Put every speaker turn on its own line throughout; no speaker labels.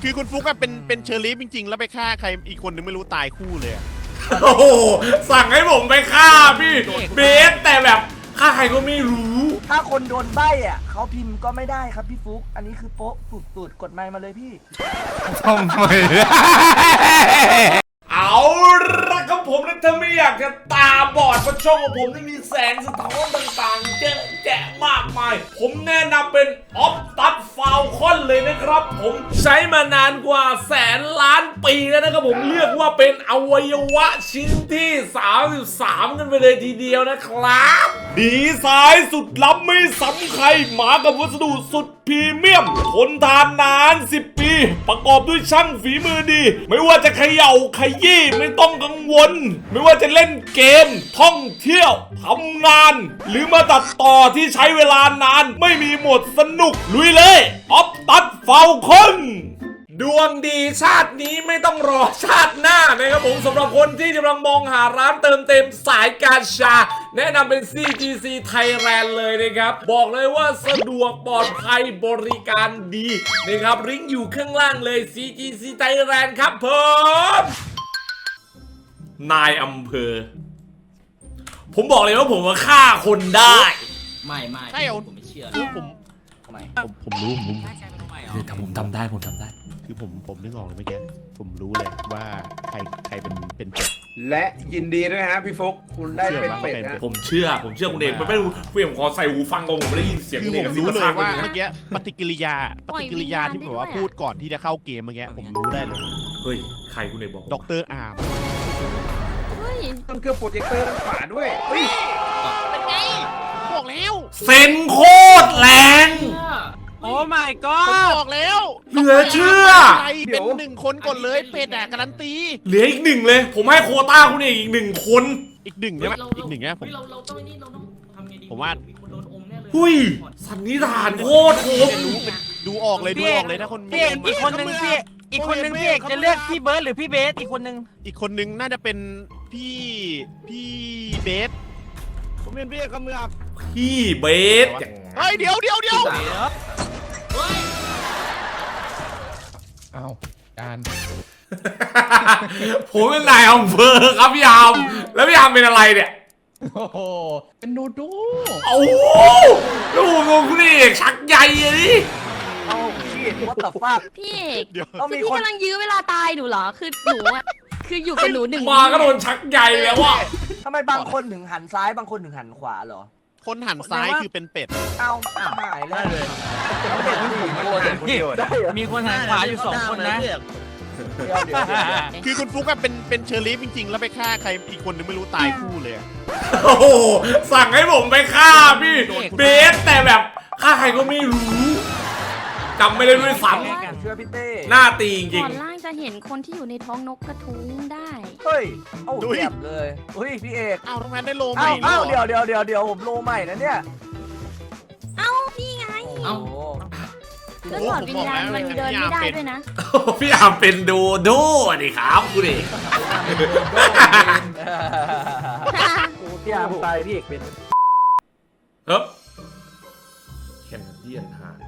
คือคุณฟุกอะเป็นเชอร์ลีฟจริงๆแล้วไปฆ่าใครอีกคนนึงไม่รู้ตายคู่เลย
โอ้โหสั่งให้ผมไปฆ่าพี่เบสแต่แบบฆ่าใครก็ไม่รู้
ถ้าคนโดนใบ้อ่ะเขาพิมพ์ก็ไม่ได้ครับพี่ฟุกอันนี้คือโป๊ะสุดๆกดไมค์มาเลยพี่
ทำไม
เอาละครับผมนะถ้าไม่อยากจะตาบอดเพราะช่องของผมนี่มีแสงสะท้อนต่างๆเยอะแยะมากมายผมแนะนำเป็นออฟตัดฟาวคอนเลยนะครับผมใช้มานานกว่าแสนล้านปีแล้วนะครับผมเรียกว่าเป็นอวัยวะชิ้นที่33กันไปเลยทีเดียวนะครับดีไซน์สุดล้ำไม่ซ้ำใครมากับวัสดุสุดพรีเมียมทนทานนาน10 ปีประกอบด้วยช่างฝีมือดีไม่ว่าจะเขย่าขยี้ไม่ต้องกังวลไม่ว่าจะเล่นเกมท่องเที่ยวทำงานหรือมาตัดต่อที่ใช้เวลานานไม่มีหมดสนุกลุยเลยออฟตัดเฝ้าคนดวงดีชาตินี้ไม่ต้องรอชาติหน้านะครับผมสำหรับคนที่กำลังมองหาร้านเติมเต็มสายการชาแนะนำเป็น CGC Thailand เลยนะครับบอกเลยว่าสะดวกปลอดภัยบริการดีนะครับลิงก์อยู่ข้างล่างเลย CGC Thailand ครับผมนายอำเภอผมบอกเลยว่าผมว่าฆ่าคนได้
ไม่
ใช่เหรอ
ผมไม่เชื่อ
คือผม
ทำไม
ผมรู้ผม
ถ้าผมทำได้ผมทำได้
คือผมนึกออกเลยเมื่อกี้ผมรู้เลยว่าใครเป็นเป็ด
และยินดีด้วยฮะพี่ฟุกคุณได้เป็นเป็ดนะ
ผมเชื่อคุณเองมันไม่รู้เพื่อนผมขอใส่หูฟังก่อนผมไม่ได้ยินเสียง
คือ
คุณ
ผ
เอง
มรู้เลยว่า
เมื่
เมื่อกี้ปฏิกิริยาที่แบบว่าพูดก่อนที่จะเข้าเกมเมื่อกี้ผมรู้ได้เลย
เฮ้ยใครคุณเอกบอก
ด็อกเตอร์อาร์ม
เฮ้ย
ต้องเครื่องโปรเจคเตอร์ด้านขวาด้วยเฮ้ย
เป็นไงบอกแล้ว
เซนโคตรแรง
โอ้ my
ผม
god
บอกแล้ว
เหลือเชื่อ
ใครเป็นหนึ่งคนก่อนเลยเป็ดอะการันตี
เหลืออีกหนึ่งเลย ผมให้โควต้าคุณเอกอีกหนึ่งคน
อีกหนึ่งใช่ไหมอีกหนึ่งเนี่ยผม
เราต้องนี่เราต้องทำไงดี
ผมว่า
คนโดนอมแน่เลย
หุยสันนิษฐานโคตรคม
ดูออกเลยถ้าคน
พี่เอกอีกคนนึงพี่อีกคนนึงพี่เอกจะเลือกพี่เบิร์ดหรือพี่เบสอีกคนนึง
อีกคนนึงน่าจะเป็นพี่เบส
ผมเป็นพี่เอกเมือง
พี่เบส
เฮ้ยเดี๋ยว
อ้าวการ
ผมเป็นนายอำเภอครับพี่ยามแล้วพี่ยามเป็นอะไรเนี่ย
โอ้โหเป็นดูดู
โอ้โหแล้วผมงงคุณเอกชักใหญ่อะดิ
เอาพี่ว่าตับฟาก
พี่เอก
เดี๋ยว
ต้อง
คื
มี
อพี่
คน
กำลังยื้อเวลาตายหนูเหรอ คือหนูอะคืออยู่กับหนูหนึ่ง
มาก็โดนชักใหญ่แล้วว่ะ
ทำไมบางคนถึงหันซ้ายบางคนถึงหันขวาเหรอ
คนหันซ้ายคือเป็นเป็ด
เอาหายแล้วเลย
มีคนหันขวาอยู่2 คนนะ
เดี๋ยว
คือคุณฟุกอะเป็นเชอร์ลีฟจริงๆแล้วไปฆ่าใครอีกคนนึงไม่รู้ตายคู่เลยอะ
โอ้โหสั่งให้ผมไปฆ่าพี่เบสแต่แบบฆ่าใครก็ไม่รู้จำไม่ได้ด้วยซ้
เชื่อพี่เต้
ำหน้าตีจริ
ก่
ง
อนล่างจะเห็นคนที่อยู่ในท้องนกกระทุ้งได้
เฮ้ยเอ้าเจ็บเลยเฮ้ยพี่เอก
อ้าวทำไมได้โลใหม่
เอ้า
เหรอ
เดี๋ยวผมโลใหม่นะเนี่ย
เอ้านี่ไง
เอ้า
แล้วถอดวิญญาณมันเดินไม่ได้ด้วยนะ
ๆพี่อามเป็นโดโด้ดิครับคุณเอก
พี่อาร์มตายพี่เอกเป็น
เฮ้ยแคนาเดียนฮะ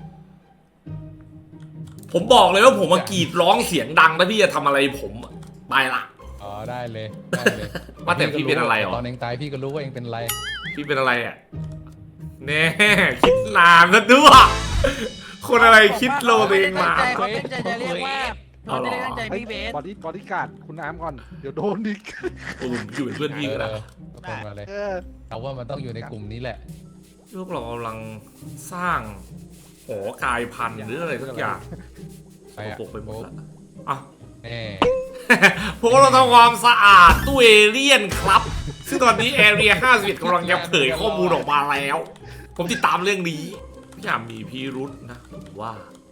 ผมบอกเลยว่าผมมากรีดร้องเสียงดังถ้าพี่จะทำอะไรผมอะไปละ
อ๋อได้เลยเลย
ว่าแต่พี่เป็นอะไรหรอ
ตอนเองตายพี่ก็รู้ว่าเองเป็นอะไร
พี่เป็นอะไรอ่ะแน่คิดนานซะด้วยคนอะไรคิดโลตัวเองมา
เขาเป็นใจจะเรียกว่า
เอาเหรอ
ตั้งใจพี่เบส
บอดี้การ์ดคุณน้ำก่อนเดี๋ยวโดนดิ
ผมอยู่เป็นเพื่อนพี่ก็ได้
ก็เป็นมาเลยเอาว่ามันต้องอยู่ในกลุ่มนี้แหละ
พวกเรากำลังสร้างหอกายพันธุ์หรืออะไรสักอย่าง
ไปอ่ะ
ปกไปหมดละอ่ะ
แน่
พวกเราทำความสะอาดตู้เอเลี่ยนครับ ซึ่งตอนนี้แอเรีย51กำลังจะเผยข้อมูลออกมาแล้ว ผมติดตามเรื่องนี้พี่อยากมีพิรุษนะผมว่า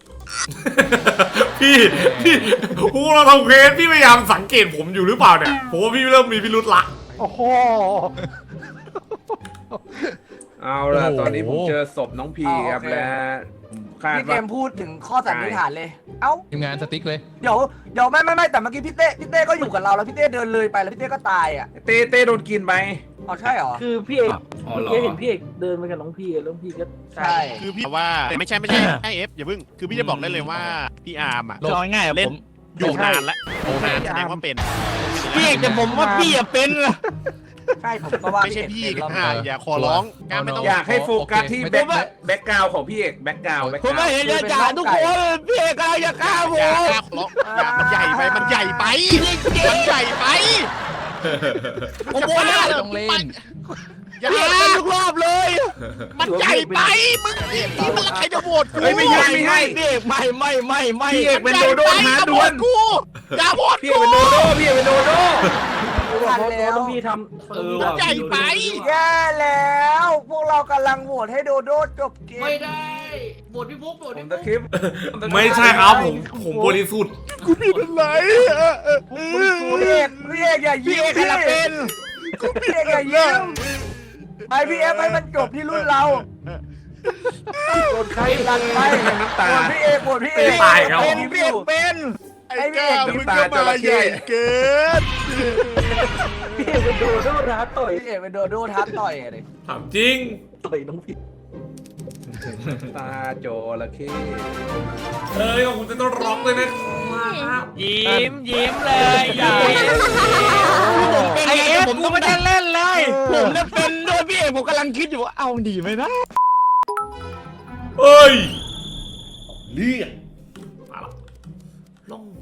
พี่พวกเราทำเควสพี่พยายามสังเกตผมอยู่หรือเปล่าเนี่ยผมว่าพี่เริ่มมีพิรุษละ
โอ้โหเอาล่ะตอนนี้ผมเจอศพน้องพีครับและคาด
พี่เก
ว่าม
พูดถึงข้อสันนิษฐานเลย เอ้า
ทีมงานสติ๊กเลย
เดี๋ยวไม่แต่เมื่อกี้พี่เต้ก็อยู่กับเราแล้วพี่เต้เดินเลยไปแล้วพี่เต้ก็ตายอ่ะ
เต้โดนกินไป
อ๋ออ๋อใช่เหรอ
คือพี่เอก
อ๋อ
เมื่อ
เหรอ
กี้เห็นพี่เอกเดินมากับน้องพี่แล้วน้องพี่ก็
ใช่
คือพี่ว่าไม่ใช่ไอเอฟอย่าเพิ่งคือพี่จะบอกได้เลยว่าพี่อาร์มอ่ะ
คือเอาง่ายๆ
เล่
ผ
น
ม
อยู่นานแล้ว
โอ้โห
แสดงว่าเป็น
พี่เอกแต่ผมว่าพี่อะเป็น
ใช่ผมก็ว่า
ไม่ใช่พี่
เอก
อ่ะอย่าขอร้องงานไม่ต้อง
อยากให้โฟกัสที่
โอเค
แบ็กกราวของพี่เอกแบ็กกราว
ผมไม่เห็นจะจ่าทุกคนพี่เอกอะไรจะฆ่าผ
อย่าม ขอร้องอย่ามันใหญ่ไปมันใหญ่ไปมันใหญ่ไป
ผมบอกแล้ว
ต้องเล่น
อย่า
พี่เอกเป็นทุกรอบเลย
มันใหญ่ไปมึงนี่มันใครจะโหวตกู
เฮ้ยไม่ใช่ไม่ใช่
พี่เอกไม่
พี่เอกเป็นโดโด้ท้าดวล
กูอย่าโหวต
พี่เอกเป็นโดโด้พี่เอกเป็นโดโด้
ทันแล้ว
น้องพี่ทำ
มันใหญ่ไป
แย่แล้ว พวกเรากำลังโหวตให้โดโดจบเกม
ไม่ได้บทพี่ฟุ๊กบท
ผม
พี่
ตะ
ฟุ๊ก
คริป
ไม่ใช่ครับผมบริสุทธิ์
กูผิดอะไร
พี่เอกอย่า
พี่
ยิ้ม
เอกอะไรเป็น
พี่เอกอย่ายิ้มไปพี่เอฟให้มันจบที่รุ่นเราโหวตใครกันไป
น้ำตา
โหวตพี่เอกโหวตพี่เอก
ไม่ตายครับ
เป็นพี่เอกเป็น
ไอ้ก้ามึงก็มาใหญ่เกิน
พี่เอกเป็นโดโดท้าต่อย
พี่เอกเป็นโดโดท้าต่อยอะไร
ถามจริง
ต่อยน้องพี่
ตาโจระเข้
เอ้ยขอบคุณเซ็นทรัลร็อกเลยนะครับ
ยิ้มเลยใหญ่ไอเอฟผมก็ไม่ได้เล่นเลยผมเนี่ยเป็นด้วยพี่เอกผมกำลังคิดอยู่ว่าเอาดีไหมนะ
เอ้ยเรียกมาละลง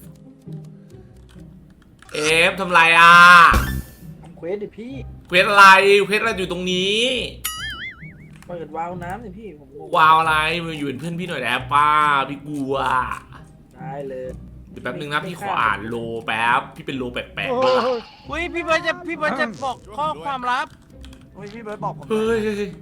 เอฟทำไรอ่ะ
เควสดิพี่
เควสอะไรเควสอะไรอยู่ตรงนี้
เปิดวาล์วน้ำสิพี่ผมงง
วาวอะไรมาอยู่เป็นเพื่อนพี่หน่อยได้ป้าพี่กลัว
ได้เลย
เดี๋ยวแป๊บนึงนะพี่ขออ่านโลแป๊บพี่เป็นโลแปลกๆ
อุ้ยพี่เบิร์ดจะบอกข้อความลับ
เฮ้ยพี่เบิร์ดบอกผม
เฮ้ยเฮ้ยเฮ้ย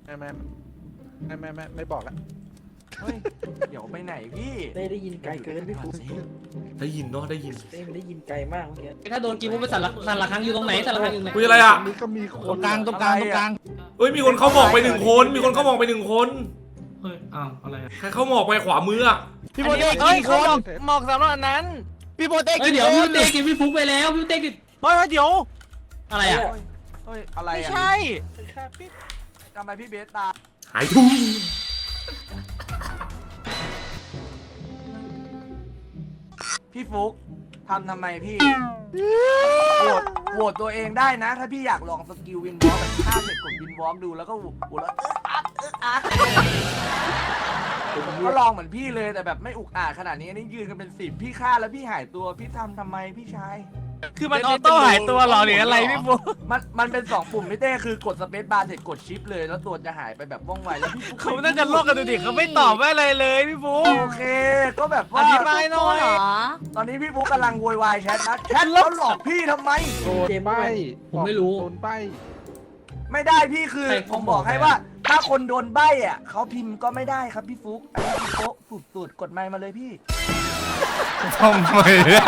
ไม่บอกแล้ว
เฮ้ยเดี๋ยวไปไหนพี่
ได้ยินไกลเกินพี่ฟุ๊ก
ได้ยินเนาะได้ยิน
มันได้ยินไกลมากเมื่อกี้
ถ้าโดนกินมุกไปสั่นละครั้งอยู่ตรงไหนสั่นละครั้งอยู่ไหน
คุยอะไรอ่ะ
ตรงกลางตรงกลาง
เฮ้ยมีคนเข้าหมอกไปหนึ่งคนมีคนเข้าหมอกไปหนึ่งคน
เฮ้ยอ้าวอะไร
ใครเข้าหมอกไปขวามืออะ
พี่โบเต้เฮ้ยเขาหมอกสำหรับอันนั้นพี่โบเต้กินเดี๋ยวพี่เต้กินพี่ฟุ๊กไปแล้วพี่เต้กินเฮ้ยเดี๋ยวอะไรอ่ะ
เฮ้ยอะไร
ไม่
อ่ะ
ใช่
ทำไมพี่เบสตา
หายทุ่ง
พี่ฟุกทำไมพี่โหวตตัวเองได้นะ ถ้าพี่อยากลองสกิลวินวอล์กแบบฆ่าเสร็จกดวินวอล์กดูแล้วก็โหวตแล้วอักผมก็ลองเหมือนพี่เลยแต่แบบไม่อุกอาจขนาดนี้นี่ยืนกันเป็น10พี่ฆ่าแล้วพี่หายตัวพี่ทำไมพี่ชาย
คือมันออโต้หายตัวหรอหรืออะไรพี่ฟุ๊ก
มันเป็น2ปุ่มพี่เต้คือกดสเปซบาร์เสร็จกดชิปเลยแล้วตัวจะหายไปแบบว่องไวแล้วพี่ฟุ๊ก
เขาน่าจะโลกกันดูดิเขาไม่ตอบอะไรเลยพี่ฟุ๊ก
โอเคก็แบบว่า
อธิบายหน่อย
เหรอ
ตอนนี้พี่ฟุ๊กกำลังโวยวายแชทนะแชทแล้วหลอกพี่ทำไม
เกมไม่ผมไม่รู้
ไม่ได้พี่คือ
ใคร
ผมบอกให้ว่า ถ้าคนโดนใบ้อ่ะเขาพิมพ์ก็ไม่ได้ครับพี่ฟุ๊กอันนี้คือโป๊ะสุดๆกดไมค์มาเลยพี่
ทำไม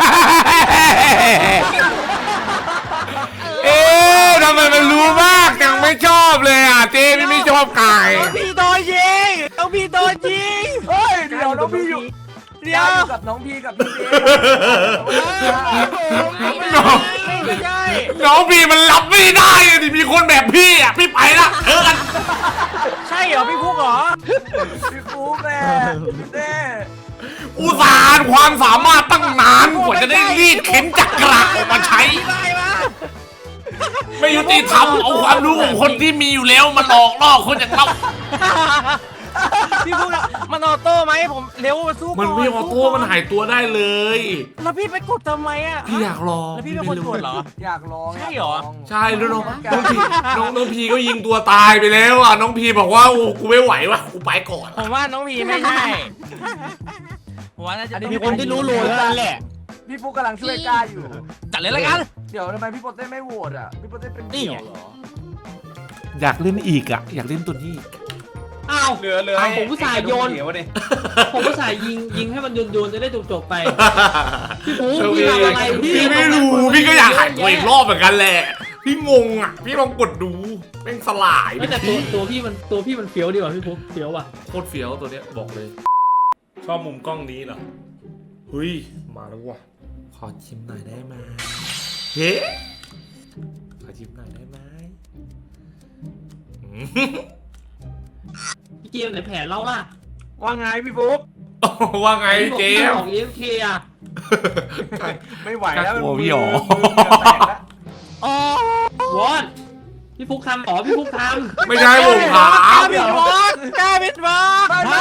เอ๊ะทำไมมันรู้มากยังไม่ชอบเลยอ่ะเจ๊ไม่ชอบไก่
พี่โดนยิงต้องพี่โดนยิง
เฮ้ยเดี๋ยวน้องพี่อยู่
เดี๋ยว
อยู่กับน้องพี่กับพี่เบส
ไม่ใช่
น้องพี่มันรับไม่ได้อะดิมีคนแบบพี่อ่ะพี่ไปละกัน
ใช่เหรอพี่ฟุ๊กเหรอ
พี่ฟุ๊กแม่พี่เต้
อุตส่าห์ความสามารถตั้งนานกว่าจะได้รีดเข็นจักระออกมาใช้
ได้ปะ
ไม่ยุติธรรมเอาความรู้ของคนที่มีอยู่แล้วมาหลอกล่อคนอย่างเรา
พี่ฟุ๊กอะมันออโต้ไหมผมเร็วมาสู้ก่อน
มันไม่ออโต้มันหายตัวได้เลย
แล้วพี่ไปกดทำไมอ่ะ
พี่อยากลอง
แล้วพี่เป็นคนกดเหรอ
อยากลอง
ใช่เหรอ
ยากลง
ใช่แล้วน้องพีก็ยิงตัวตายไปแล้วอ่ะน้องพีบอกว่าโอ้กูไม่ไหวว่ะกูไปก่อน
ผมว่าน้องพีไม่ใช่ผมว่าน่าจะมีคนที่รู้โลแล้วนั่นแหละ
พี่ฟุ๊กกำลังช่วยกล้าอยู่
จัดเลยละกัน
เดี๋ยวทำไมพี่โปเต้ไม่โหวตอ่ะพี่โปเต้เป็น
นี่
เดี่
ไง
ยวเหรอ
อยากเล่นอีกอ่ะอยากเล่นตัวนี้
อ้าว
เหลือ
ผมอุตส่าห์โยน
เดี๋ยวดิ
ผมก็ใส่ยิงให้มันโยนจะได้จบไป พี่ฟู
โอเค
พี่ทำอะไรพี่
พี่ไม่รู้พี่ก็อยากหายตัวอีกรอบเหมือนกันแหละพี่งงอ่ะพี่ลองกดดูแม่งสลาย
ไม่แต่ตัวพี่มันเฟี้ยวดีกว่าพี่ฟูเฟี้ยวว่ะ
โคตรเฟี้ยวตัวเนี้ยบอกเลย ชอบมุมกล้องนี้เหรอเฮ้ยมาแล้วว่ะขอชิมหน่อยได้ไหมเฮ้ขอชิมหน่อยได้ไหม
พี่เจมส์ไหนแผนเราล่ะ
ว่าไงพี่ฟุ๊ก
ว่าไงเจม
บ
ส์
อก AFK อ่ะ
ไม่ไหวแล้ว
น่ากลัวพี่หรอ
อ๋อวอนพี่ฟุกทำอ๋อพี่ฟุกท
ไม่ใช่ผมถาม
กล้าบิดวอล์กกล้าบิดวอล์ก
ไม่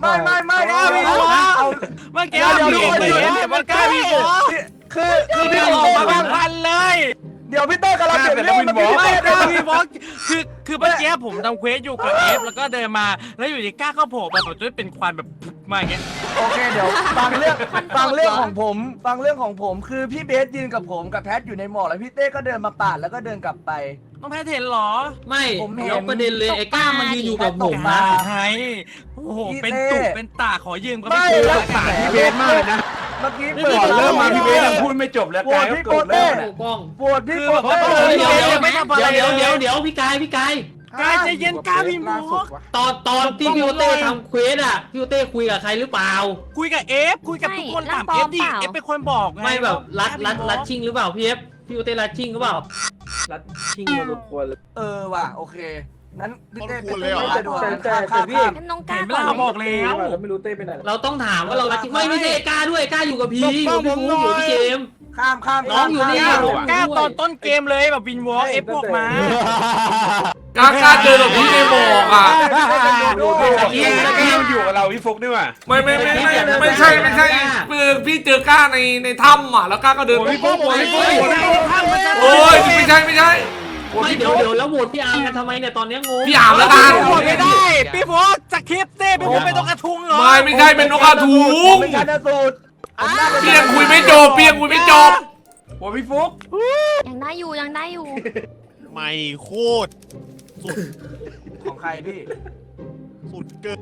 เอา
เมื่อกี้พี่เห็นมันกล้าบิดวอล์ก
คือ
พี่ออกมาบางพันเลย
เดี๋ยวพี่เต้กำลังเปลี่ยนเรื่อง
ไม่กล้าบิดวอล์กคือเมื่อกี้ผมทำเควสอยู่กับเอฟแล้วก็เดินมาแล้วอยู่ดีกล้าเข้าโผล่มาผมจะเป็นควันแบบมาอย่างเงี้ย
โอเคเดี๋ยวฟังเรื่องของผมคือพี่เบสยืนกับผมกับแพทอยู่ในหมอกแล้วพี่เต้ก็เดินมาปาดแล้วก็เดินกลับไป
ต้องแพ้เห็นเหรอ
ำไม่
ผมเห็น
แล้วประเด็นเลยไอ้ก้ามันยืนอยู่กับผม
มา
นะ
ไงโอ้โหเป็นตุกเป็นตาขอยืมก็
ไม่
ไม่
แล้
ได้
ว
สาร
พี่เบสมากเลยนะ
เมื่อกี้
ก่อนเริ่มมาพี่เบสยังพูดไม่จบแล้ว
โหว
กา
ต
ยก็
พี่
โก
โก
รธแล้
เต้
ว
โกล้อง
โหวตพี่โกเต้
เดี๋ยวพี่กาย
กายใจเย็นกล้าบิดวอล์ก
ตอนที่พี่โอเต้ทำเควสอ่ะพี่โอเต้คุยกับใครหรือเปล่า
คุยกับเอฟคุยกับทุกคนถามเอฟดิเอฟเป็นคนบอกไง
ไม่แบบรัดชิงหรือเปล่าพี่เอฟพี่โอเต้รัดชิงหรือเปล่า
ชิงมาทุกคนเลย
ว่ะโอเคนั้นพี่เต้
คนเลยเหรอ
แต่พี่
งั้นน้องกล้า
เห็นไหม
ก่อน
ล่ะ
ไหม
บอกแล้ว
แล้วไม่รู้เต้ไปไหน
เราต้องถามว่าเรารัดชิงไม่ใช่ไอ้ก้าด้วยก้าอยู่กับพี่
ปกป้อง
อยู่พี่
ผมหน่
ฟู
อย
อยู่พี่เจมส์
ข้าม
น้องอยู่นี่
กล้าตอนต้นเกมเลยแบบบินวอล์กเอฟบอกมา
กล้าเจอกับพี่ในหมอกอ่ะ
พี่อยู่กับเราพี่ฟุกด้วยว่ะ
ไม่ใช่คือพี่เจอกล้าในถ้ำอ่ะแล้วกล้าก็เดิน
พี่ฟุก
โอ้ยไม่ใช่
ไม่เดี๋ยวแล้วโหวตพี่อาร์มกันทำไมเนี่ยตอนเนี้ยงง
พี่อ่านแล้วกัน
โหวตไม่ได้พี่โฟกจะคลิปเต้พี่โฟกเป็นตัวกระทุงเหรอ
ไม่ใช่เป็นนกกระทุง
เป็นการสูตร
พี่ยังคุยไม่จบ
โอ้พี่ฟุก
ยังได้อยู่
ไม่โคตรสุด
ของใครพี่
สุดเกิน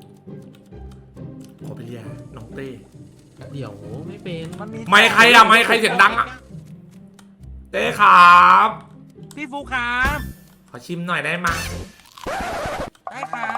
ขอไปเรียกน้องเต้
เดี๋ยวไม่เป็น
ไม่ใครอ่ะไม่ใครเสียงดังอ่ะเต้ครับ
พี่ฟูครับ
ขอชิมหน่อยได้ไหม
ได้ครับ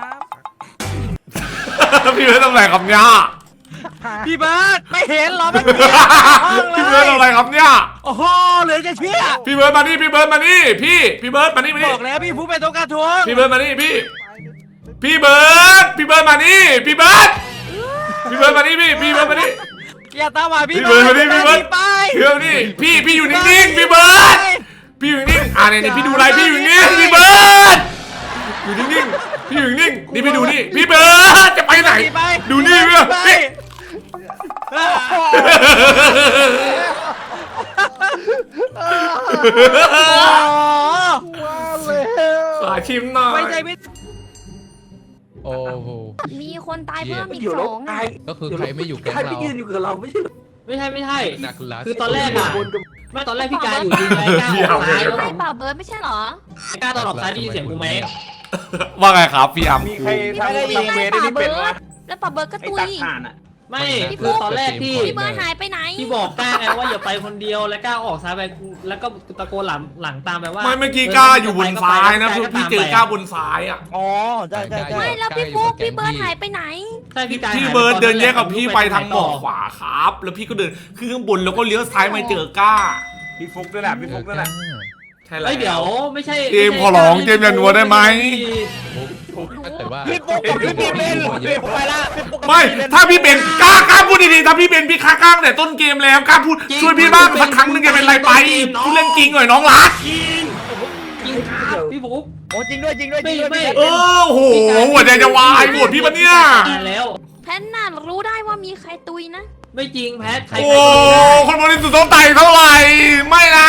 พี่เบิร์ดทำอะไรครับเนี่ย
พี่เบิร์ดไม่เห็นเหรอเมื่อกี้
พี่เบิร์ดทำอะไรครับเนี่ย
โอ้โหเหลือจะเชื่อ
พี่เบิร์ดมานี่พี่เบิร์ดมานี่พี่เบิร์ดมานี่
บอกแล้วพี่ฟูเป็นตัวกระทุง
พี่เบิร์ดมานี่พี่เบิร์ดมานี่พี่เบิร์ดมานี่พี่เบิร์ดมานี่
อย่าตามมาพี่
พี่เบิร์ดมานี่พี่เบิร์ด
ไป
พี่เบิร์ดมานี่พี่อยู่นิ่งๆพี่เบิร์ดพี่อยู่นิ่งเนี่ยพี่ดูอะไรพี่อยู่นิ่งพี่เบิร์ดอยู่นิ่งพี่อยู่นิ่งนี่พี่ดูนี่พี่เบิร์ดจะไปไหนดูนี่พี่ ขอชิมหน่อย
ไม่ใช่พี่
โอ้โห
มีคนตายเพิ่มอีก
อยู่
สองอ่ะ
ก็คือใครไม่อยู่แก๊ง
ใคร
เรา
ที่ยืนอยู่กับเราไม่ใช่
ไม่ใช่
นักลัก
คือตอนแรกอ่ะไม่ตอนแรกพี่กายอยู่ดีไงก้าออกซ้ายแล้ว
ไม่เปล่าเบิร์ดไม่ใช่เหรอ
ก้าตอนออกซ้ายได้ยินเสียงกูไหม
ว่าไงครับพี่อัม
มีใครทำเวทได้เป็นวะ
แล้วเปล่าเบิร์ดก็
ไอ้
ตุ
ตั
ย
กถ่านอ่ะ
ไม่คือตอนแรกที่
พี่เบิร์ดหายไปไหน
ที่บอกก้าไงว่าอย่าไปคนเดียวแล้วก้าออกซ้ายไปแล้วก็ตะโกนหลังตามไปว่า
ไม่เมื่อกี้ก้าอยู่บนซ้ายนะพี่เจอก้าบนซ้ายอ่ะ
อ๋อใช่ใช่
ไม่แล้วพี่ฟุกพี่เบิร์ดหายไปไหน
ใช่พี่กาย
พี่เบิร์ดเดินแยกกับพี่ไปทางหมอกขวาครับ แล้วพี่ก็เดินขึ้นข้างบนแล้วก็เลี้ยวซ้ายมาเจอก้า
พี่ฟุกด้วยแหละพี่ฟุกด้วยแหละ
ใช่แล้ว
เฮ้ยเดี๋ยวไม่ใช่
เจมส์ขอร้องเจมส์อย่านัวได้ไหม
แต่ว่า
พี่ฟุกกับพี่เบนไปละ
ไม่ถ้าพี่เป็นกล้าพูดดีๆถ้าพี่เป็นพี่ค้างแต่ต้นเกมแล้วกล้าพูดช่วยพี่บ้างสักครั้งนึงจะเป็นไรไปพูดเรื่องจริงหน่อยน้องรัก
จริงครับพี่ฟุ๊ก
โอ้จริงด้วยจริงด้วย
ไม่
เออโหหัวใจจะวายหมดพี่ปะเนี่ย
แล้ว
แพนน่ะรู้ได้ว่ามีใครตุยนะ
ไม่จริงแพทใคร
โอ้คนบริสุทธิ์ต้องไต่เท่าไหร่ไม่นะ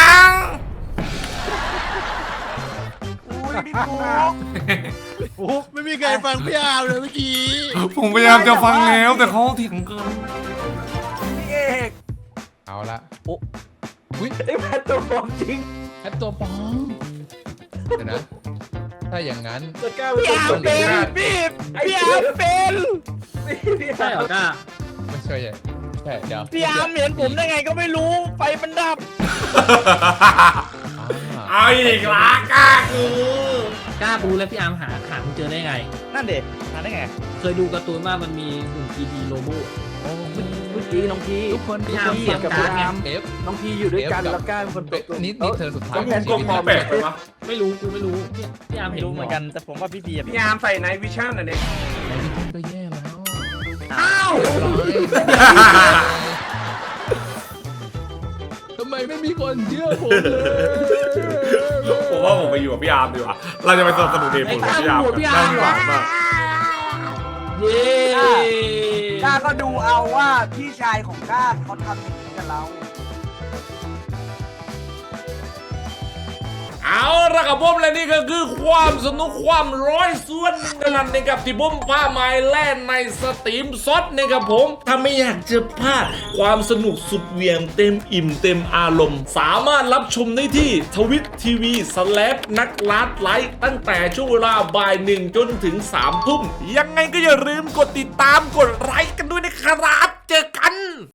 อุ้ยพี่ฟุก
โอ้ไม่มีใครฟังพี่อาร์มเลยเมื่อกี้
ผมพยายามจะฟังแล้วแต่เขาเถียงเกิน
พี่เอก
เอาละโอ้อุ้ย
ไอ้แพทตัวปลอมจริง
แอปตัวปลอมเดี๋ยวนะ ถ้าอย่างนั้น
จะกล้า
พี่อาร์มเป็นพี่อาร์มเป็น
ใช่เหรอก้า
ไม่ใช่ใช่เดี๋ยว
พี่อาร์มเห็นผมได้ไงก็ไม่รู้ไฟมันดับ
เอาอีกละกล้าคือ
ก้ารู้แล้วพี่อาร์มหาคุณเจอได้ไง
นั่นเด็กหาได้ไง
เคยดูการ์ตูนว่ามันมีหุ่น 3D โลโบ
โอ้
เ
น้องพี
ทุกคน
พี่อาร์มเสียง
กับ
กลาง
พี่อาร์ม
F
น้องพีอยู่ด้วยกันแล้วก้านคน
เอ๊ะนี่เธอสุดท้าย
ต้องผมกลมพอแปลกไปวะ
ไม่รู้กูไม่รู้พี่อาร์มเห็น
รู้เหมือนกันแต่ผมว่าพี่พีอะ
พี่อาร์มใส่ไนท์วิชั่นอ่ะเนี่ย
ก็แย่แล้ว
อ้าว
ทำไมไม่มีคนเชื่อผมเลย
ผมว่าผมไปอยู่กับพี่อาร์มดีกว่าเราจะไปสนับสนุนเดมผมกับพี่อาร์ม
พี่อาร์มเหรอ
มาก
เย้
ก้าก็ดูเอาว่าพี่ชายของก้าเขาทำอย่างนี้กับเรา
เอาละครับผมและนี่ก็คือความสนุกความร้อยส่วนหนึ่งนั่นนะครับที่ผมพามาแล่นในสตรีมซดนะครับผมถ้าไม่อยากจะพลาดความสนุกสุดเหวี่ยงเต็มอิ่มเต็มอารมณ์ สามารถรับชมได้ที่ทวิตทีวีนักลาดไลท์ตั้งแต่ช่วงเวลาบ่าย1จนถึง3 ทุ่มยังไงก็อย่าลืมกดติดตามกดไลค์กันด้วยนะครับเจอกัน